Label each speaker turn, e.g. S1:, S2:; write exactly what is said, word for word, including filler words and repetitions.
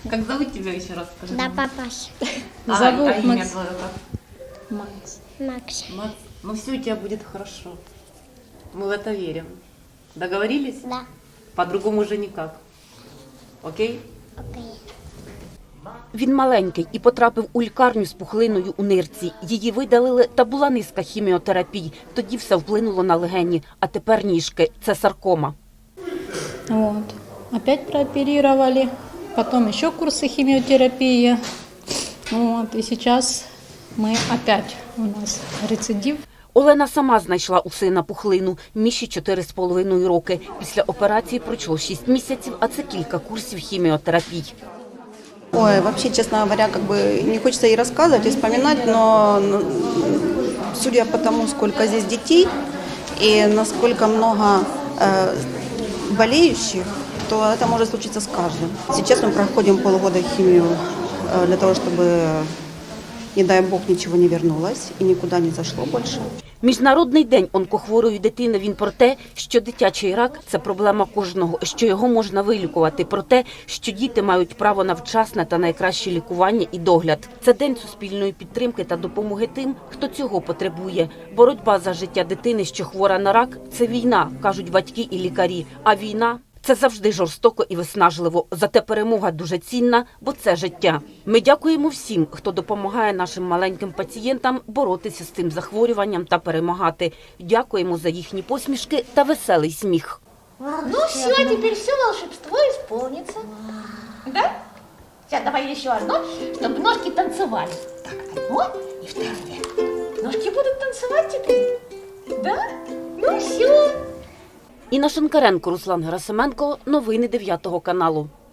S1: Как зовут тебя еще раз? Скажи.
S2: Да, папаша.
S1: А,
S3: Зовут
S1: а имя
S3: Макс.
S1: твое как?
S3: Макс.
S2: Макс.
S1: Макс. Ну все у тебя будет хорошо. Мы в это верим. Договорились?
S2: Да.
S1: По-другому уже никак. Окей?
S2: Окей.
S4: Він маленький і потрапив у лікарню з пухлиною у нирці. Її видалили, та була низка хіміотерапій. Тоді все вплинуло на легені, а тепер ніжки – це саркома.
S3: Вот. Опять прооперировали. Потом еще курсы химиотерапии. Вот. И сейчас мы опять у нас рецидив.
S4: Олена сама знайшла у сина пухлину. Міші чотири з половиною роки. Після операції пройшло шість місяців, а це кілька курсів хіміотерапій.
S5: Ой, вообще, честно говоря, как бы не хочется и рассказывать, и вспоминать, но ну, судя по тому, сколько здесь детей и насколько много э, болеющих, то это может случиться с каждым. Сейчас мы проходим полгода химию э, для того, чтобы, не дай бог, ничего не вернулось и никуда не зашло больше.
S4: Міжнародний день онкохворої дитини, він про те, що дитячий рак – це проблема кожного, що його можна вилікувати, про те, що діти мають право на вчасне та найкраще лікування і догляд. Це день суспільної підтримки та допомоги тим, хто цього потребує. Боротьба за життя дитини, що хвора на рак – це війна, кажуть батьки і лікарі. А війна – це завжди жорстоко і виснажливо. Зате перемога дуже цінна, бо це життя. Ми дякуємо всім, хто допомагає нашим маленьким пацієнтам боротися з цим захворюванням та перемагати. Дякуємо за їхні посмішки та веселий сміх.
S6: Ну все, теперь все волшебство исполнится. Да? Сейчас давай еще одно, чтобы ножки танцевали. Так, одно и второе. Ножки будут танцевать теперь. Да? Ну все.
S4: Інна Шинкаренко, Руслан Герасименко. Новини дев'ятого каналу.